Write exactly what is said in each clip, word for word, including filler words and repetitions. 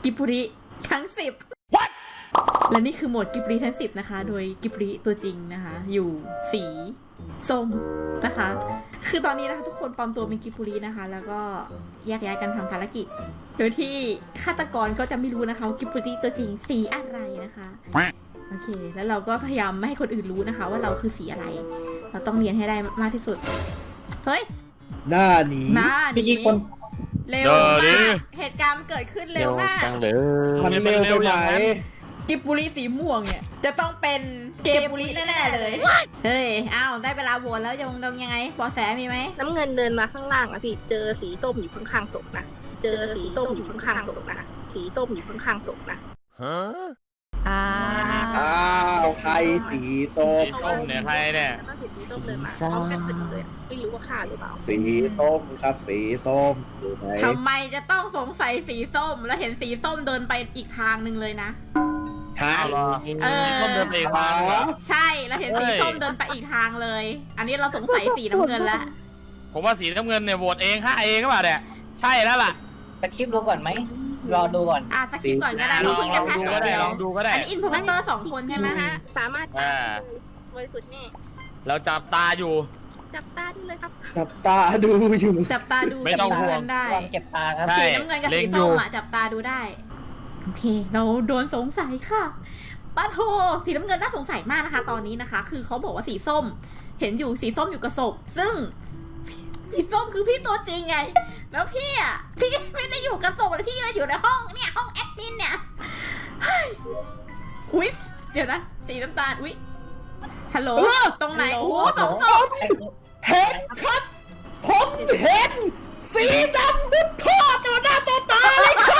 กิบุริทั้งสิบ What? และนี่คือโหมดกิบุริทั้งสิบนะคะโดยกิบุริตัวจริงนะคะอยู่สีส้มนะคะ คือตอนนี้นะคะทุกคนปลอมตัวเป็นกิบุรินะคะแล้วก็แยกย้ายกันทำภารกิจโดยที่ฆาตกรก็จะไม่รู้นะคะว่ากิบุริตัวจริงสีอะไรนะคะโอเคแล้วเราก็พยายามไม่ให้คนอื่นรู้นะคะว่าเราคือสีอะไรเราต้องเรียนให้ได้มากที่สุดเฮ้ยหน้าหนีหน้าพี่นี้คนเร็วเดี๋ยวดิมากเหตุการณ์เกิดขึ้นเร็วมากจังเลยมันเร็วไปไหมกิบบุรีสีม่วงเนี่ยจะต้องเป็นเกมบุรีแน่ๆเลยเฮ้ยอ้าวได้เวลาโหวตแล้วยังดงยังไงเบาะแสมีไหมน้ำเงินเดินมาข้างล่างอะพี่เจอสีส้มอยู่ข้างๆศพนะเจอสีส้มอยู่ข้างๆศพนะสีส้มอยู่ข้างๆศพนะอ่าอ้าวใครสีส้มสีส้มเนี่ยใครเนี่ยแล้วก็เห็นสีส้มเดินมาพร้อมกันพอดีเลยอะไม่รู้ว่าฆ่าหรือเปล่าสีส้มครับสีส้มอยู่ไหนทำไมจะต้องสงสัยสีส้มแล้วเห็นสีส้มเดินไปอีกทางหนึ่งเลยนะฮะเอาเหรอเออสีส้มเดินไปอีกทางเหรอใช่แล้วเห็นสีส้มเดินไปอีกทางเลย อันนี้เราสงสัยสีน้ำเงินแล้วผมว่าสีน้ำเงินเนี่ยโหวตเองฆ่าเองก็เปล่าเนี่ยใช่แล้วล่ะสคริปต์ดูก่อนไหมรอดูก่อนอ่ะสกิปก่อนก็ได้ลเราองเพิ่งลจะองแค่ดูสีก็ได้เดียวลองดูก็ได้อันนี้อินโฟเมเตอร์สองคนใช่ไหมนะฮะสามารถอ่าบริสุทธิ์แน่เราจับตาอยู่จับตาได้เลยครับจับตาดูอยู่จับตาดูไม่สีต้องห่น้ำวเงิงนได้ลองเก็บตาครับใช่สีน้ำเงินกับเล็สีงอยู่ส้มอะจับตาดูได้ โอเค เราโดนสงสัยค่ะป้าโทสีน้ำเงินน่าสงสัยมากนะคะ ตอนนี้นะคะ คือเขาบอกว่าสีส้ม เห็นอยู่สีส้มอยู่กับศพซึ่งสีส้มคือพี่ตัวจริงไง แล้วพี่อ่ะพี่ไม่ได้อยู่กับศพเลยพี่ก็อยู่ในห้องเนี่ยห้องแอดมินเนี่ยเฮ้ยอุ๊ยเดี๋ยวนะสีน้ำตาลอุ๊ยฮัลโหลตรงไหนโอ้โหสองศพเห็นครับ ผมเห็น สีดำมุดท่อต่อหน้าต่อตาเลยครับ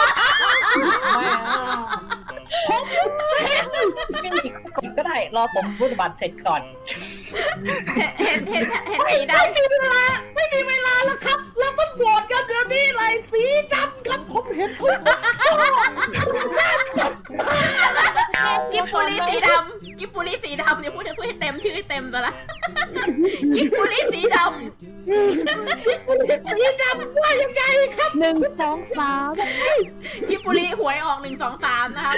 ผมเห็นไม่มีกดก็ได้ รอผมพูดบัตรเสร็จก่อนเห็นเห็นเห็นสีดำไม่มีเวลาไม่มีเวลาแล้วครับ แล้วมันโหวตกันเดี๋ยวนี้เลยสีดำครับผมเห็นทุกคนกิบปุรีสีดำกิบปุรีสีดำเนี่ยพูดให้พูดให้เต็มชื่อให้เต็มซะละกิบปุรีสีดสีดำว่ายังไงครับหนึ่งสองสามำกิบปุรีหวยออกหนึ่งสองสามนะครับ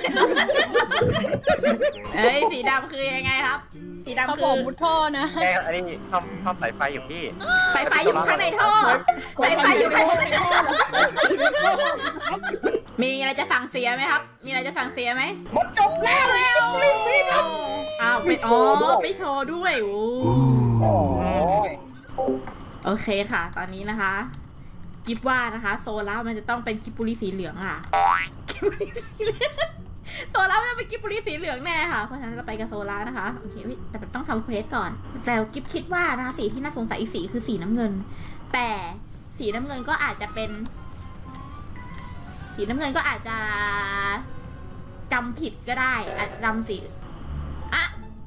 เอ้ยสีดำคือยังไงครับ สีดำเขาคืบออกมุดท่อนะแค่อันนี้ชอบชอบสายไฟอยู่พี่สายไฟอยู่ข้างในท่อสายไฟอยู่ข้างในท่อมีอะไรจะสั่งเสียไหมครับ มีอะไรจะสั่งเสียไหมมันจบแล้วสีดำอ้าวไปอ๋อไปโชว์ด้วยโอ้โอ้ยโอเคค่ะ ตอนนี้นะคะ กิฟว่านะคะ โซล่ามันจะต้องเป็นกิบปุรีสีเหลืองอ่ะกิบปุรีสีเหลืองโซล่ามันจะเป็นกิบปุรีสีเหลืองแน่ค่ะ เพราะฉะนั้นเราไปกับโซล่านะคะ โอเคแต่ต้องทำเควสก่อน แต่กิฟคิดว่านะคะสีที่น่าสงสัยอีกสีคือสีน้ำเงิน แต่สีน้ำเงินก็อาจจะเป็น สีน้ำเงินก็อาจจะจำผิดก็ได้ อาจจะจำสีอะ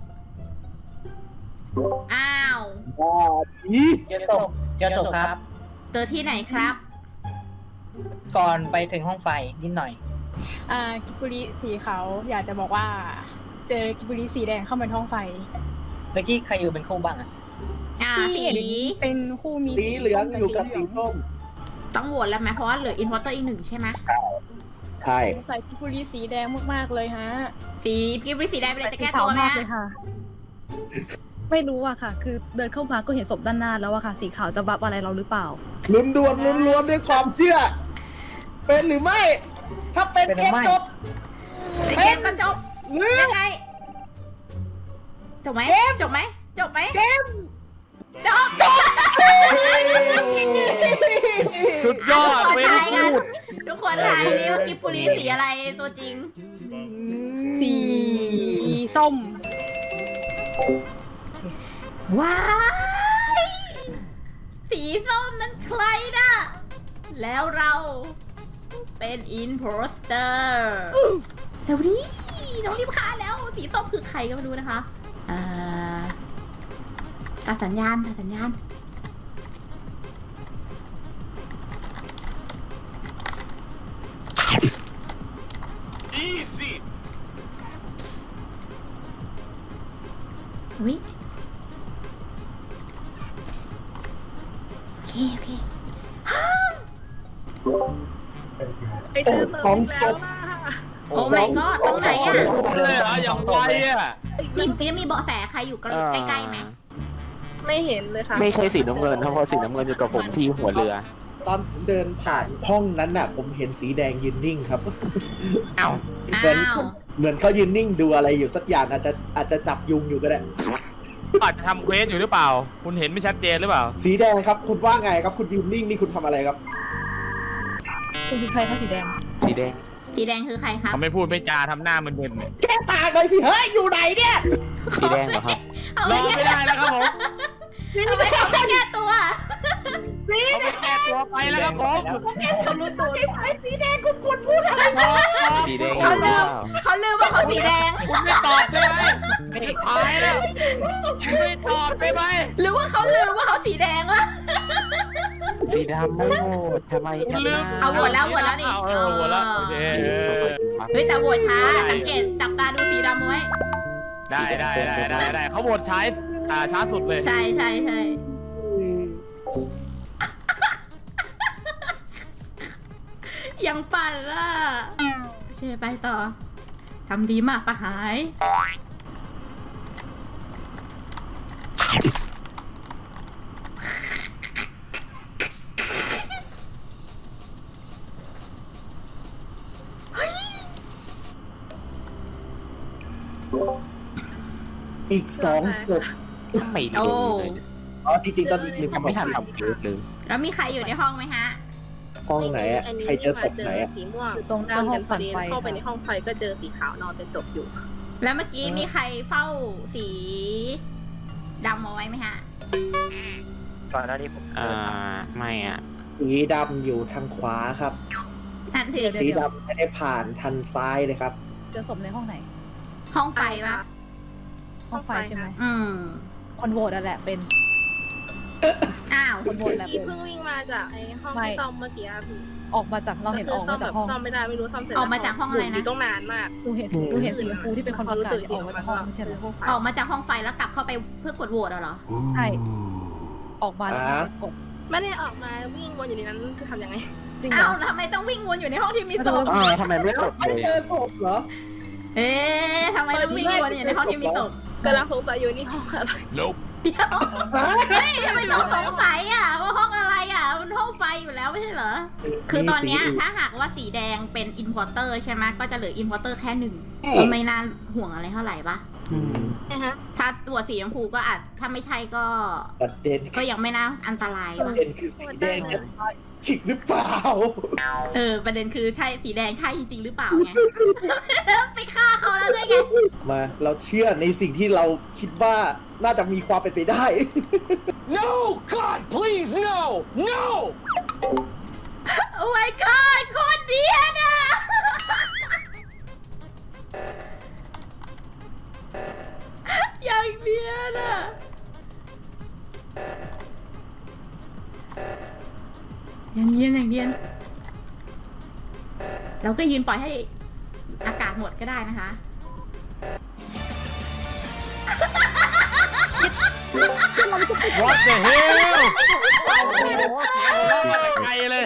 อ้าวบ้าจีเจอศพเจอศพครับเจอที่ไหนครับก่อนไปถึงห้องไฟนิดหน่อยอ่ากิบบุรีสีขาวอยากจะบอกว่า เจอกิบบุรีสีแดงเข้ามาในห้องไฟเมื่อกี้ใครอยู่เป็นคู่บ้างอะอ่าที่สีเห็นเป็นคู่มีสีเหลืองอยู่กับสีส้มต้องโหวตแล้วไหมเพราะว่าเหลืออินพอร์เตอร์อีกหนึ่งใช่ไหมใช่สงสัยกิบบุรีสีแดงมากๆเลยฮะสีกิบริสีแดงไปเลยจะแก้ตัวไหมมากเลยค่ะ ไม่รู้อะค่ะ คือเดินเข้ามาก็เห็นศพด้านหน้าแล้วอะค่ะ สีขาวจะบับอะไรเราหรือเปล่าลุ้นดวนลุ้นรวมด้วยความเชื่อ เป็นหรือไม่ ถ้าเป็นเป็นหรืเกอมไม่จบในเกมก็จบหรือยังไงจบไหมจบไหมจบไหมเกมจบจบสุดยอดทุกคนเว้ยทายกันพูดทุกคนทายนี่ว่ากิบปุรีสีอะไรตัวจริงสีส้มว้ายสีส้มนั้นใครนะแล้วเราเป็นอินโพสเตอร์เดี๋ยวนี้น้องรีบฆ่าแล้ว สีส้มคือใครก็ไม่รู้นะคะเอ่อตัดสัญญาณตัดสัญญาณวิโอเค โอเคไปเจอศพอีกแล้วนะโอ้ my god ตรงไหนอ่ะเลยเหรออย่างไวอ่ะมีมีมีเบาะแสใครอยู่ใกล้ๆไหมไม่เห็นเลยค่ะไม่ใช่สีน้ำเงินเพราะสีน้ำเงินอยู่กับผมที่หัวเรือตอนผมเดินผ่านห้องนั้นน่ะ ผมเห็นสีแดงยืนนิ่งครับอ้าวเหมือนอ้าวเหมือนเขายืนนิ่งดูอะไรอยู่สักอย่างอาจจะอาจจะจับยุงอยู่ก็ได้อาจจะทำเควสอยู่หรือเปล่า คุณเห็นไม่ชัดเจนหรือเปล่าสีแดงครับ คุณว่าไงครับ คุณยืนนิ่งนี่คุณทำอะไรครับคุณคือใครคะสีแดงสีแดงสีแดงคือใครครับเขาไม่พูดไม่จาทำหน้ามึนแก้ต่างหน่อยสิ เฮ้ย อยู่ไหนเนี่ยสีแดงเหรอครับเอาๆรไปอไม่ได้แล้วครับผมเอาไปเอาไปแก้ตัวเขาไปแก้ตัวไปแล้วครับผมสีแดงคุณควรพูดอะไรสีแดงเขาลืมเขาลืมว่าเขาสีแดงคุณไม่ตอบได้ไหมไม่ตายแล้วคุณไม่ตอบได้ไหมหรือว่าเขาลืมว่าเขาสีแดงวะสีดำไม่โหวตทำไมคุกัณนลืมนะเอาโหวตแล้วโหวตแล้วนี่เออโหวตแล้วโอเคเฮ้ยแต่โหวตช้า สังเกตจับตาดูสีดำไว้ได้ได้ได้ได้ได้เขาโหวตช้าอ่าช้าสุดเลยใช่ใช่ใช่ยังปั่นล่ะโอเคไปต่อทำดีมากปะหายอีกสองศพไม่โดโอ้นเลยอ๋อจริงๆตอนอีกหนึ่งยังไม่ทันทำเควสเลยแล้วมีใครอยู่ในห้องไหมฮะห้องไหนอ่ะอันนี้ใครเจอศพเจไหนออ่ะสีม่วงอยู่ตรงหน้าห้องปั่นไฟเข้าไปในห้องไฟก็เจอสีขาวนอนเป็นศพอยู่แล้วเมื่อกี้มีใครเฝ้าสีดำเอาไว้ไหมฮะก่อนหน้านี้ผมอ่า ไม่อ่ะสีดำอยู่ทางขวาครับนั่นถือสีดำไม่ได้ผ่านทางซ้ายเลยครับเจอศพในห้องไหนห้องไฟปะห้องไฟใช่ไหมอืมคนโหวตนั่นแหละเป็นอ้าวคนโหวตแหละที่เป็นเพิ่งวิ่งมาจากไอ้ห้องไม่ที่ซ่อมเมื่อกี้อะพี่ออกมาจากเราเห็นออกมาจากห้องซ่อมไม่ได้ไม่รู้ซ่อมเสร็จออกมาจากห้องอะไรนะยู่ต้องนานมากดูเห็นดูเห็นสีชมพูที่เป็นคนประกาศออกมาจากห้องไม่ใช่เหรอออกมาจากห้องไฟแล้วกลับเข้าไปเพื่อกดโหวตเอาเหรอใช่ออกมาแล้วอ่ากดไม่ได้ออกมาวิ่งวนอยู่ในนั้นคือทำยังไงจริงเหรอ้าวอทำไมต้องวิ่งวนอยู่ในห้องที่มีศพอ่าทำไมไม่กดไม่เลยเจอศพเหรอเอ๊ะทำไมต้องวิ่งวนอยู่ในห้องที่มีศพกำลังสงสัยอยู่นี่ห้องอะไรเดี๋ยวเฮ้ยทำไมต้องสงสัยอ่ะว่าห้องอะไรอ่ะมันห้องไฟอยู่แล้วไม่ใช่เหรอ คือตอนเนี้ยถ้าหากว่าสีแดงเป็นอินพอร์เตอร์ใช่ไหมก็จะเหลืออินพอร์เตอร์แค่หนึ่งก็ไม่น่าห่วงอะไรเท่าไหร่ปะอืมนะฮะถ้าตัวสีชมพูก็อาจถ้าไม่ใช่ก็ประเด็นก็ยังไม่น่าอันตรายประปะเด็นคือสีแดงจะตายจริงหรือเปล่าเออประเด็นคือใช่สีแดงใช่จริงๆหรือเปล่าไง แล้วไปฆ่าเขาแล้วด้วยไงมาเราเชื่อในสิ่งที่เราคิดว่าน่าจะมีความเป็นไปได้ No God please no no โอ้ my god โคตรเดียนอ่ะ อย่างเดียนอ่ะ อย่างเดียนอย่างเดียน เราก็ยืนปล่อยให้อากาศหมดก็ได้นะคะ What the hell โอ้โหเสียงหัวเราะมาแต่ไกลเลย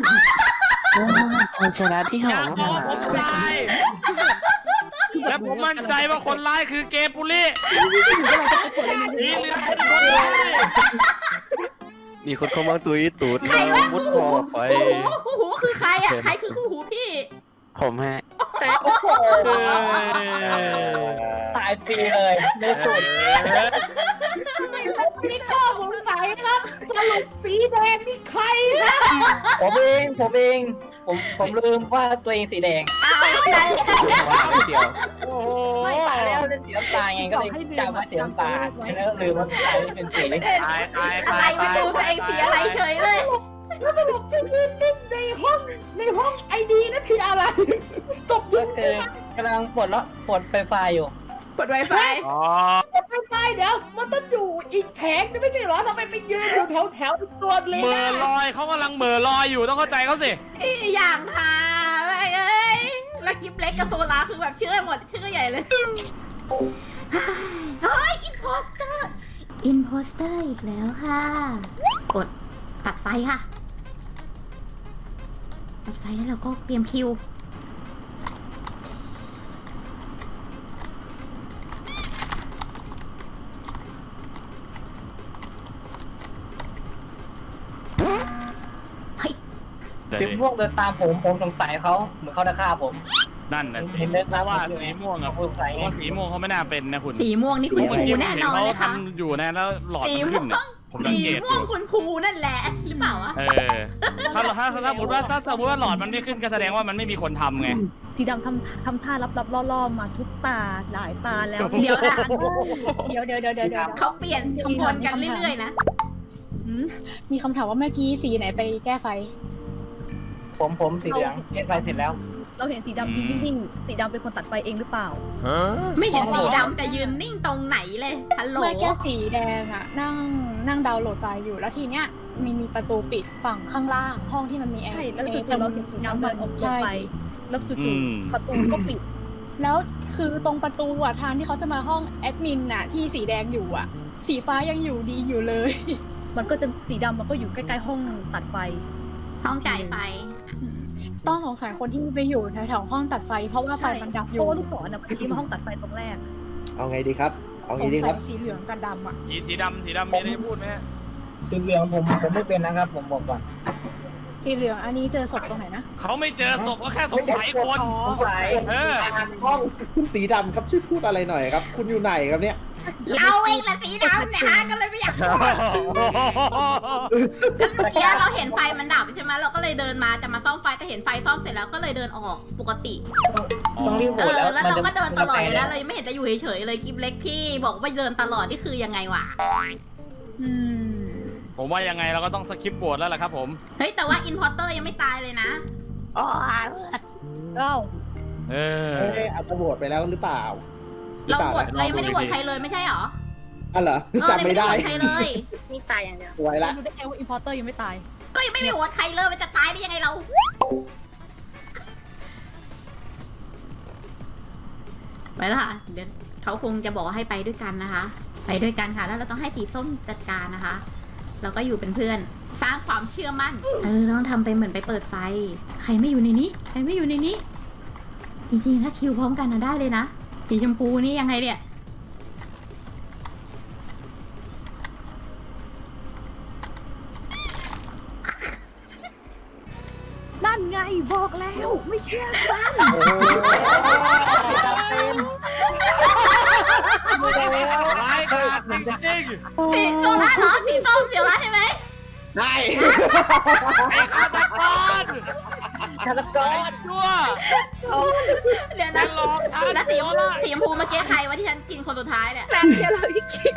คนชนะที่หออยากบอกว่าผมตาย และผมมั่นใจว่าคนร้ายคือเกมปุริมีเรื่องเป็นคนร้ายมีคนเข้ามาตุยตูดใครวะมุดคู่คหูอไปคู่หูคู่หูคือใครอ่ะ ใครคือคู่หูพี่ผมฮะโอ้โหเออตายฟรีเลยไม่สุดมีข้อสงสัยครับ สรุปสีแดงนี่ใครนะผมเองผมเองผมผมลืมว่าตัวเองสีแดงอ้าวนั่นแหละเดียวโอ้โหไม่ตายแล้วเป็นสีน้ำตาลไงก็เลยจำว่าสีน้ำตาลแล้วก็ลืมว่าตายเป็นสีตายตายอะตาไรยมาดูตัวเองสีอะไรเฉยเลยแล้วสรุปที่ยืนนิ่งในห้องในห้องไอดีนั่นคืออะไรตบยุก็งคือกำลังปลดแล้วปลดไฟฟ้าอยู่กด Wi-Fi อ๋อไม่ไปเดี๋ยวมันต้องอยู่อีกแผงนี่ไม่ใช่เหรอทำไมไปยืนอยู่แถวแถวๆตัวเลเหม่อน่าลอยเขากำลังเหม่อลอยอยู่ต้องเข้าใจเขาสิอย่างหาแม่งเอ้ยแล้วกิฟเล็กกับโซลาคือแบบเชื่อหมดเชื่อใหญ่เลย เฮ้ยอินโพสเตอร์อินโพสเตอร์อีกแล้วค่ะ กดตัดไฟค่ะตัดไฟแล้วเราก็เตรียมคิวเฮ้ยสีม่วงเดินตามผมผมสงสัยเขาเหมือนเขาจะฆ่าผมนั่นนะเห็นเดินเพตามราะว่าผมอยู่สีม่วงอะผมสงสัยเพไงราะว่าสีม่วงเขาไม่น่าเป็นนะคุณสีม่วงนี่คุณครูแน่นอนเลยเขาค่ะทำอยู่นะแล้วหลอดสีมันม่ขึ้วน งเนี่ยผมสังสีเกตอม่วงยู่คุณครูนั่นแหละหรือเปล่าวะเออถ้าถ้าถ้าสมมติว่าถ้าสมมติว่าหลอดมันไม่ขึ้นก็แสดงว่ามันไม่มีคนทำไงสีดำทำทำท่ารับๆล่อๆมาทุกตาหลายตาแล้วเดี๋ยวนะเดี๋ยวเดี๋ยวเดี๋ยวเดี๋ยวเดี๋ยวเขาเปลี่ยนขบวนกันเรื่อยๆนะหืมมีคำถามว่าเมื่อกี้สีไหนไปแก้ไฟผมผมสีเหลืองเล่นไฟเสร็จแล้วเราเห็นสีดำยืนนิ่งๆสีดำเป็นคนตัดไฟเองหรือเปล่าไม่เห็นสีดำจะยืนนิ่งตรงไหนเลยฮัลโหลเมื่อแก้สีแดงอะนั่งนั่งดาวน์โหลดไฟล์อยู่แล้วทีเนี้ยมีมีประตูปิดฝั่งข้างล่างห้องที่มันมีแอร์ใช่แล้วอจู่ๆเราเห็นสีดำเดินออกตัวไป แล้วจู่ๆประตูก็ปิดแล้วคือตรงประตูอะทางที่เขาจะมาห้องแอดมินอะที่สีแดงอยู่อะสีฟ้ายังอยู่ดีอยู่เลยมันก็จะสีดำมันก็อยู่ใกล้ๆห้องตัดไฟห้องจ่ายไฟต้องสงสัยคนที่ไปอยู่แถวๆห้องตัดไฟ เพราะว่าไฟมันดับอเพยู่ราะว่าลูกศรน่ะชี้มาห้องตัดไฟตรงแรกเอาไงดีครับ เอาสไงงดีคสัรับยสีเหลืองกับดำอะสีสีดำสีดำมีอะไรจะพูดไหมฮะสีเหลืองผมผมไม่เป็นนะครับ ผมบอกก่อนสีเหลืองอันนี้เจอศพตรงไหนนะเขาไม่เจอศพก็แค่สงสัยคนอ๋อสงสัยเออห้องคุณสีดำครับช่วยพูดอะไรหน่อยครับ คุณอยู่ไหนครับเนี่ยเราเองแหละสีดำเนี่ยฮะก็เลยไม่อยากพูดก็เมื่อกี้เราเห็นไฟมันดับใช่ไหมเราก็เลยเดินมาจะมาซ่อมไฟแต่เห็นไฟซ่อมเสร็จแล้วก็เลยเดินออกปกติต้องรีบโหเอวตอแล้วแล้วเราก็เดินตลอดเลยนะเลเลยยไม่เห็นจะอยู่เฉยๆเลยกิฟเล็กที่บอกว่าเดินตลอดนี่คือยังไงวะอืมผมว่ายังไงเราก็ต้องสคิปโหวตแล้วล่ะครับผมเฮ้ยแต่ว่าอินพอร์เตอร์ยังไม่ตายเลยนะอ๋อเอ้าเออเอ๊ะอาจจะโหวตไปแล้วหรือเปล่าเราโหวตหรือเลยปไม่ได้โหวตใครเลยไม่ใช่หรออ่ะเหรอเออจำไม่ได้เลยไม่ได้โหวตใครเลยนี่ตายอย่างเดียวสวยละรู้ได้ไงว่าอินพอร์เตอร์ยังไม่ตายก็ยังไม่มีโหวตใครเลยมันจะตายได้ยังไงเรา ไปแล้วค่ะ เดี๋ยวเขาคงจะบอกว่าให้ไปด้วยกันนะคะ ไปด้วยกันค่ะ แล้วเราต้องให้สีส้มจัดการนะคะ เราก็อยู่เป็นเพื่อน สร้างความเชื่อมั่น เออต้องทำไปเหมือนไปเปิดไฟ ใครไม่อยู่ในนี้ ใครไม่อยู่ในนี้ จริงๆถ้าคิวพร้อมกันนะได้เลยนะ สีชมพูนี่ยังไงเนี่ยนั่นไงบอกแล้วไม่เชื่อกันร้ายกาจจริงสีโซล่าเหรอ สีส้มเสียวละใช่ไหมได้ๆไอ้ฆาตกรฆาตกรชั่วเดี๋ยวแล้นะวหลอกฉันแล้วสีชมพูสีชมพูเมื่อกี้ใครวะที่ฉันกินคนสุดท้ายเนี่ยแป๊บเดียวเราอีกคิด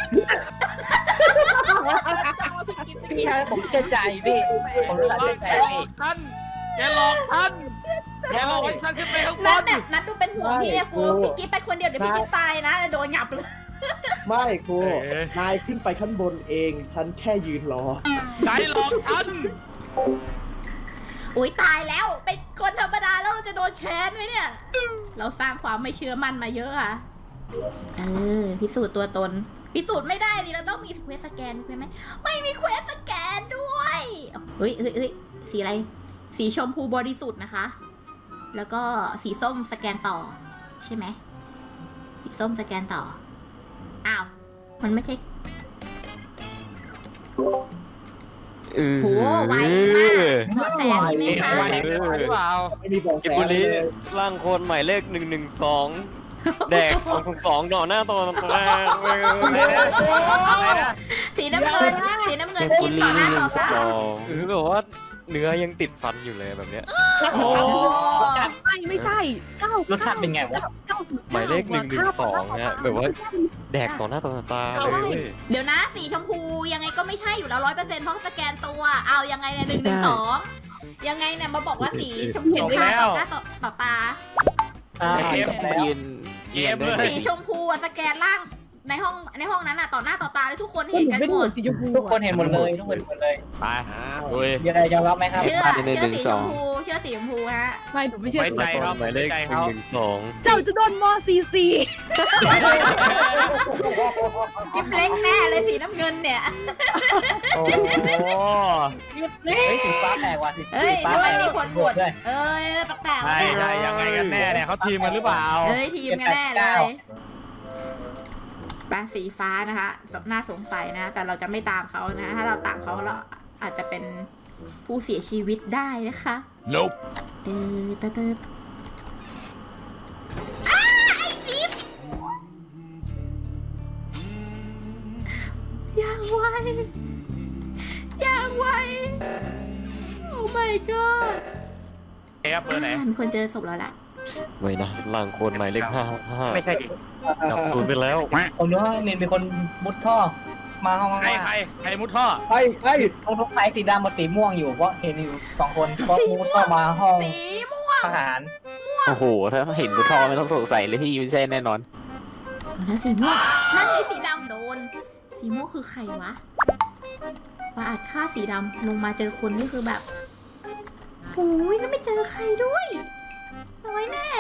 พี่ครับผมเชื่อใจพี่ผมรู้สึกแกเชื่อใจหลอพี่กฉันแกหลอกฉันแกหลอกให้ฉันขึ้นไปข้างบนัดนแบบนัดดูเป็นห่วงพี่อะกูพี่กิ๊ฟไปคนเดียวเดี๋ยวพี่กิ๊ฟตายนะโดนหยับเลยไม่ครูเอ๊ะนายขึ้นไปขั้นบนเอง ฉันแค่ยืนรอใครหลอกฉันอุ้ยตายแล้วเป็นคนธรรมดาแล้วเราจะโดนแค้นไหมเนี่ย เราสร้างความไม่เชื่อมั่นมาเยอะอะเออพิสูจน์ตัวตน พิสูจน์ไม่ได้ดิเราต้องมีเควสสแกนใช่ไหมไม่มีเควสสแกนด้วยเฮ้ยเฮ้ยเฮ้ยสีอะไร สีชมพูบริสุทธิ์นะคะ แล้วก็สีส้มสแกนต่อ ใช่ไหมสีส้มสแกนต่ออ้าวมันไม่ใช่เออโหไวมากเบาะแสมีไหมเอ๊ะคะไว้หรือเปล่าไม่มีบอกกิแสบุเลรียร่างโคนหมายเลขหนึ่งหนึ่งสองแดกสองสองสองต่อหน้าต่อตาอะไรนะสีน้ำเงินสีน้ำเงินกินต่อหน้าต่อตาหรือแบบว่าเนื้อยังติดฟันอยู่เลยแบบเนี้ยโอ้ไม่ไม่ใช่เก้ารสชาติเป็นไงวะเก้าหมายเลขหนึ่งหนึ่งสองเนี่ยแบบว่าแดกต่อหน้าต่อตาเลยเว้ยเดี๋ยวนะสีชมพูยังไงก็ไม่ใช่อยู่แล้วร้อยเปอร์เซ็นต์เพราะสแกนตัว เอายังไงเนี่ยหนึ่งหนึ่งสองยังไงเนี่ยมาบอกว่าสีชมพูฆ่าต่อหน้าต่อต่อตาอ่าเกมแล้วกินเกมเลยสีชมพูอะสแกนล่างในห้องในห้องนั้นอะต่อหน้าต่อตาเลยทุกคนก็เห็นหนูกันไม่หดูมดสีชมพูทุกคนเห็นหมดเลยทุกคนเห็นหมดเลยไปลุยมีอะไรยอมรับไหมครับเชื่อหนึ่งเชื่อหนึ่งสีสชองมพูเชื่อสีชมพูฮะไม่หนูไม่เชื่อไว้ใจเขาหมายเลไว้ขใจหนึ่เขางหนึ่งสองเจ้าจะโดนมอซีซีกิ๊บเล็กแน่เลยสีน้ำเงินเนี่ยโอ้โหเฮ้ยสีฟ้าแปลกว่ะสีเฮ้ยฟ้าทำไมแปลกมีคนบวชด้วยเอ้ยแปลกๆใช่ใช่ยังไงกันแน่เนี่ยเขาทีมกันหรือเปล่าเอ้ยทีมกันแน่เลยปลาสีฟ้านะคะน่าสงสัยนะ แต่เราจะไม่ตามเขานะ ถ้าเราตามเขาเราอาจจะเป็นผู้เสียชีวิตได้นะคะ Nope ตืดตืดตืดอย่างไวอย่างไวโอ้ my god ครับเบอร์ไหนมีคนเจอศพแล้วล่ะไว้นะล่างคนหมายเลขห้าห้าไม่ใช่ดิดับศูนย์ไปแล้วผมรู้ว่ามีมีคนมุดท่อมาห้องใครว่าใครใครมุดท่อใช่ใช่ตรงทุกไฟสีดำกับสีม่วงอยู่เพราะเห็นอยู่สองคนก็มุดท่อมาห้องสีม่วงทหารโอ้โห ถ้าเห็นบุทอไม่ต้องสงสัยเลยที่ไม่ใช่แน่นอนแล้วสีม่วงนั่นไงสีดำโดน สีม่วงคือใครวะว่าอาจฆ่าสีดำลงมาเจอคนนี่คือแบบโอ้ยแล้วไม่เจอใครด้วยน้อยแน่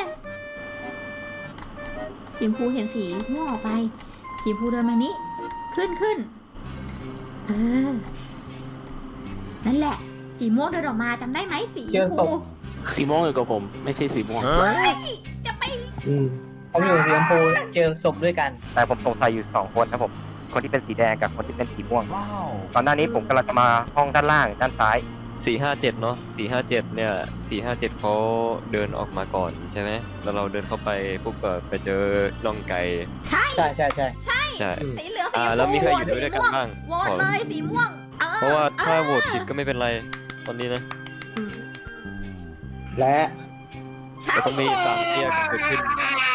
สีชมพูเห็นสีม่วงออกไป สีชมพูเดินมานี้ ขึ้นขึ้นเออ นั่นแหละ สีม่วงเดินออกมาจำได้ไหมสีชมพูสีม่วงอยู่กับผม ไม่ใช่สีม่วงเฮ้ยจะไปผมอยู่สีชมพูเจอศพด้วยกันแต่ผมสงสัยอยู่สองคนครับผม คนที่เป็นสีแดงกับคนที่เป็นสีม่วง Wow ตอนหน้านี้ผมกำลังจะมาห้องด้านล่างด้านซ้ายสี่ห้าเจ็ดเนาะสี่ห้าเจ็ดเนี่ยสี่ห้าเจ็ดเขาเดินออกมาก่อนใช่ไหมแล้วเราเดินเข้าไปปุ๊บก็ไปเจอน่องไก่ใช่ใช่ใช่ใช่ใช่ใช่สีเหลืองสีอ่าชมแล้วมีพูใครอยู่ด้วยกันบ้างโหวตเลยสีม่วงเออเพราะว่าถ้าโหวตผิดก็ไม่เป็นไรตอนนี้นะและใช่แต่ต้องมีสามเทียบเกิดขึ้น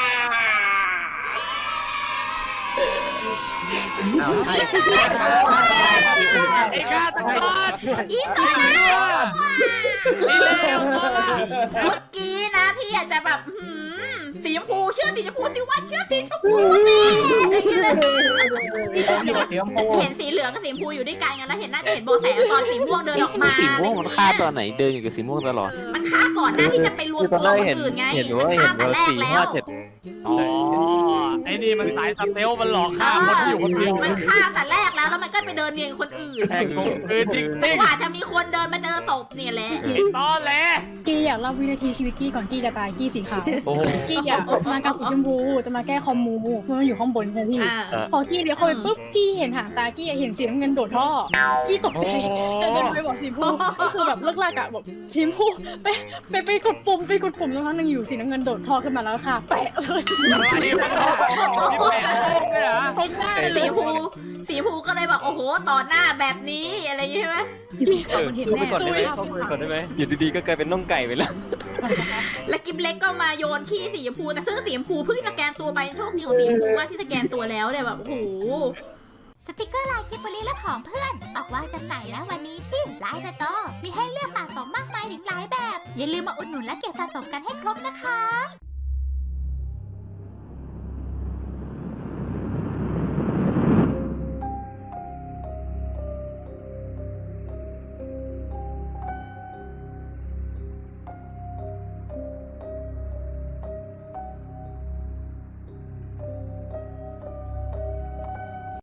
ไอ้กาตะกอนอีโซล่านี่เร็วโซล่าเมื่อกี้นะพี่อยากจะแบบหืมสีชมพูเชื่อสีชมพูสิว่าเชื่อสีชมพูสิอย่างนี้เลยสีชมพูสีชมพูเห็นสีเหลืองกับสีชมพูอยู่ด้วยกันไงแล้วเห็นน่าจะเห็นโบแสตอนสีม่วงเดินออกมาสีม่วงมันฆ่าตอนไหน เดินอยู่กับสีม่วงตลอดมันฆ่าก่อนหน้าที่จะไปรวมคือตตัอนวแรกคเห็นนอื่นไงเห็นมันว่าฆ่าเห็นแต่ว่าแรกสี่แล้ห้าว เจ็ดอ๋อ ไอ้นี่มันสายสเตลมันหลอกฆ่าคนที่อยู่คนเดียวมันฆ่าแต่แรกแล้วแล้วมันก็ไปเดินเนียนคนอื่นแทงคงคืนจริงจริงกว่าจะมีคนเดินมาเจอศพเนี่ยแหละตอนแหลกี้อยากเล่าวินาทีชีวิตกี้ก่อนกี้จะตายกี้สีขาวโอ้โหกี้อยากมากับสีชมพูจะมาแก้คอมมูเพราะมันอยู่ข้างบนใช่ไหมพี่อ่าอ่ะพอกี้เดี๋ยวเข้าไปปุ๊บกี้เห็นหางตากี้เห็นสีน้ำเงินโดดท่อกี้ตกใจแต่เดินไปบอกสีชมพูก็คือแบบเลิกลากอะบอกสีชมพูไปไปไปกดปุ่มไปกดปุ่มแล้วครั้งหนึ่งอยู่สีน้ำเงินโดดท่อขึ้นมาแล้วค่ะแปะเลยอันนี้มันหลอกนี่แปลกเลยเหรอตรงหน้าสีเลยชมพูสีชมพูก็เลยบอกโอ้โหต่อหน้าแบบนี้อะไรอย่างงี้ใช่ไหมสีขาวมันเห็นเข้าไปแน่ก่อนได้ไหมเข้าไปก่อนได้ไหมอยู่ดีๆก็กลายเป็นน่องไก่ไปแล้วแล้วกิฟเล็กก็มาโยนขี้สีชมพูแต่ซึ่งสีชมพูเพิ่งสแกนตัวไปโชคดีของสีชมพูมากที่สแกนตัวแล้วเนี่ยแบบโอ้โหสติกเกอร์ลายกิฟบรีและของเพื่อนออกวางจำหน่ายแล้ววันนี้ที่ไลน์สโตร์มีให้เลือกสะสมมากมายถึงหลายแบบ อย่าลืมมาอุดหนุนและเก็บสะสมกันให้ครบนะคะ